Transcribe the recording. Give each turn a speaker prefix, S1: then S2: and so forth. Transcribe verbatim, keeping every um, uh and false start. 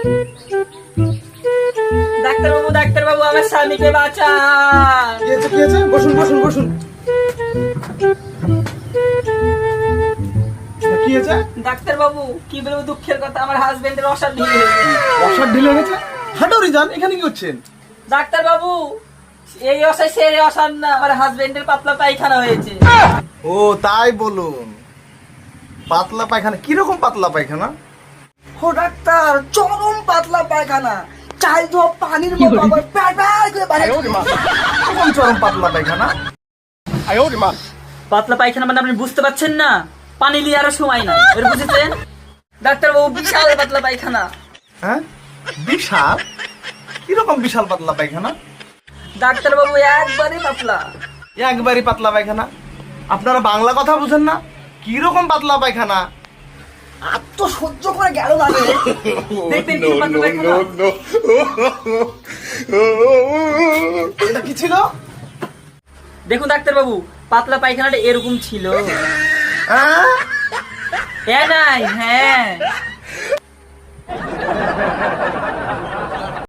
S1: Doctor বাবু, doctor বাবু, আমার স্বামীকে বাঁচান।
S2: কি হয়েছে কি হয়েছে? বসুন বসুন বসুন। কি হয়েছে?
S1: ডাক্তার বাবু, কি বলবো দুঃখের কথা, আমার হাজবেন্ডের অসার ঢিলে হয়েছে।
S2: অসার ঢিলে গেছে? হাঁটুরি যান, এখানে কি করছেন?
S1: ডাক্তার বাবু, এই অসায় সেরে অসার না, আমার হাজবেন্ডের পাতলা পায়খানা হয়েছে।
S2: ও তাই বলুন। পাতলা পায়খানা? কিরকম পাতলা পায়খানা?
S3: ও ডাক্তার, চরম পাতলা পায়খানা, চাল তো পানির মতো আবার প্যার প্যার করে বাইরে চলে আসে।
S2: কিরকম চরম পাতলা পায়খানা?
S1: পাতলা পায়খানা মানে আপনি বুঝতে পারছেন না, পানি নিয়ে আরো সময় না, এর বুঝেছেন? ডাক্তার বাবু, বিশাল পাতলা পায়খানা।
S2: হ্যাঁ, বিশাল? কিরকম বিশাল পাতলা পায়খানা?
S1: ডাক্তার বাবু, একবারই পাতলা।
S2: একবারই পাতলা পায়খানা? আপনারা বাংলা কথা বুঝেন না? কিরকম পাতলা পায়খানা?
S3: আর তো সহ্য করে গেল না রে।
S1: দেখবেন কি পাতলা পায়খানা।
S2: এটা কি ছিল?
S1: দেখুন ডাক্তার বাবু, পাতলা পায়খানাটা এরকম ছিল।
S2: হ্যাঁ?
S1: হ্যাঁ নাই, হ্যাঁ।